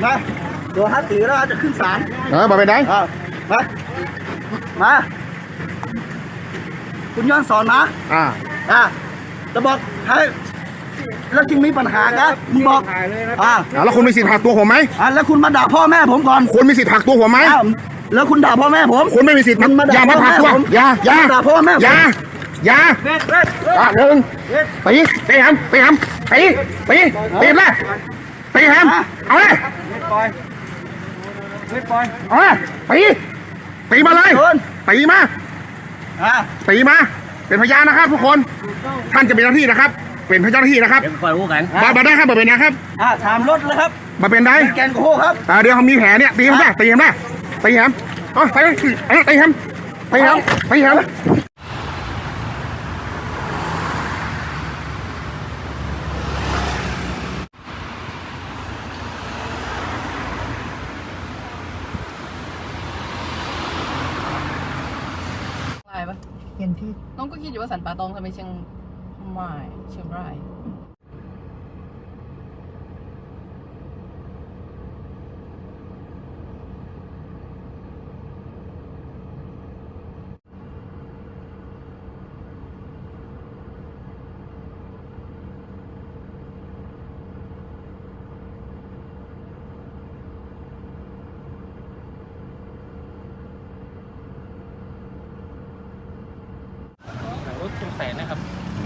มาโดนฮัตตีแล้วจะขึ้นศาลบอกไปไหนมาคุณย้อนสอนนะจะบอกให้แล้วจึงมีปัญหากันมึงบอกแล้วคุณมีสิทธิ์หักตัวผมไหมแล้วคุณมาด่าพ่อแม่ผมก่อนคุณมีสิทธิ์หักตัวผมไหมแล้วคุณด่าพ่อแม่ผมคุณไม่มีสิทธิ์อย่ามาหักตัวอย่าด่าพ่อแม่อย่าหนึ่งตีแฮมตีแฮมเลยตีแฮมเอาเลยเอาเลยตีมาเลยตีมาเป็นพยานนะครับทุกคนท่านจะเป็นเจ้าหน้าที่นะครับเป็นพยานเจ้าหน้าที่นะครับมาได้ครับมาเป็นนะครับถามรถเลยครับมาเป็นได้แกนโค้ครับเดี๋ยวเขามีแผลเนี่ยตีแฮมได้ตีแฮมไปตีแฮมอะไรปะเห็นที่น้องก็คิดอยู่ว่าสันป่าตองทำไมเชียงใหม่เชียงรายรถชุมแสนนะครับ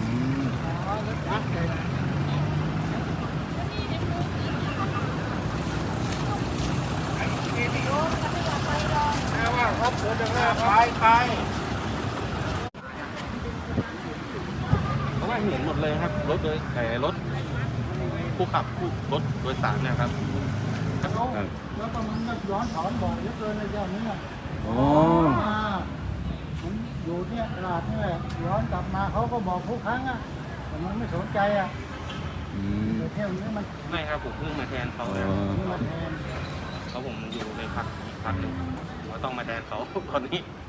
เพราะว่าเห็นหมดเลยครับรถโดยแต่รถผู้ขับรถโดยสารนะครับแล้วก็มันย้อนสอนบ่อยเยอะเกินในเจ้านี้อยู่เนี่ยตลาดนี่แหละย้อนกลับมาเขาก็บอกทุกครั้งแต่มันไม่สนใจเที่ยวนี้มันไม่ครับผมเพิ่งมาแทนเขาแล้วมาแทนเขาผมอยู่ในพักนึงเราต้องมาแทนเขาตอนนี้